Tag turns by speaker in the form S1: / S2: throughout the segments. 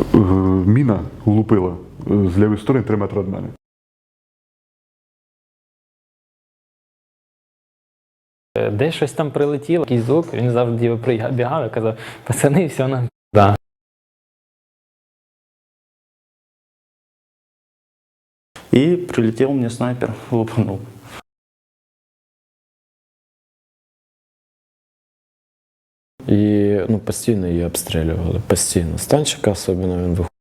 S1: Міна влупила з лівої сторони 3 метри від мене.
S2: Десь щось там прилетіло, якийсь звук, він завжди прибігав і казав: пацани, все нам да.
S3: И прилетел мне снайпер, лупанул.
S4: І постійно її обстрілювали, постійно. З танчика особливо він виходив.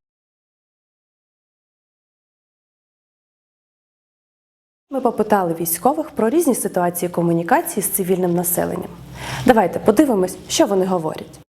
S5: Ми попитали військових про різні ситуації комунікації з цивільним населенням. Давайте подивимось, що вони говорять.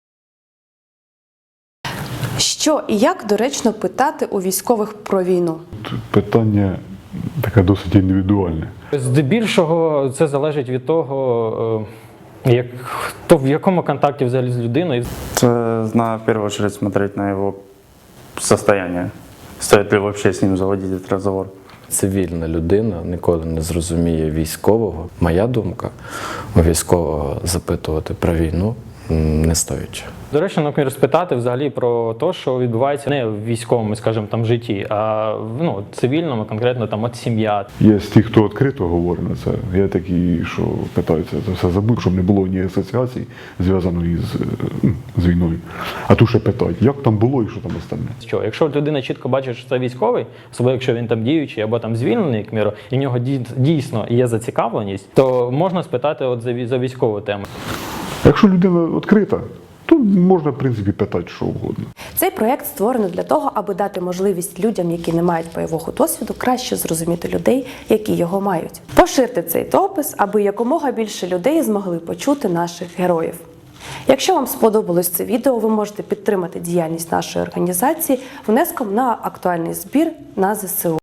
S5: Що і як доречно питати у військових про війну?
S1: Питання таке досить індивідуальне.
S2: Здебільшого це залежить від того, в якому контакті взагалі з людиною.
S3: Надо в первую очередь смотреть на его состояние. Стоит ли вообще с ним заводить этот разговор.
S4: Цивільна людина ніколи не зрозуміє військового. Моя думка, у військового запитувати про війну не стоїть.
S2: Доречно, наприклад, спитати взагалі про те, що відбувається не в військовому, скажімо, там житті, а в цивільному, конкретно там от сім'я.
S1: Є ті, хто відкрито говорить на це, є такі, що питаються це все забути, щоб не було ні асоціацій, зв'язаної з війною. А тут ще питають, як там було і що там остальне.
S2: Що, якщо людина чітко бачить, що це військовий, особливо якщо він там діючий або там звільнений, як міру, і в нього дійсно є зацікавленість, то можна спитати от за військову тему.
S1: Якщо людина відкрита, то можна, в принципі, питати що угодно.
S5: Цей проєкт створено для того, аби дати можливість людям, які не мають бойового досвіду, краще зрозуміти людей, які його мають. Поширте цей допис, аби якомога більше людей змогли почути наших героїв. Якщо вам сподобалось це відео, ви можете підтримати діяльність нашої організації внеском на актуальний збір на ЗСУ.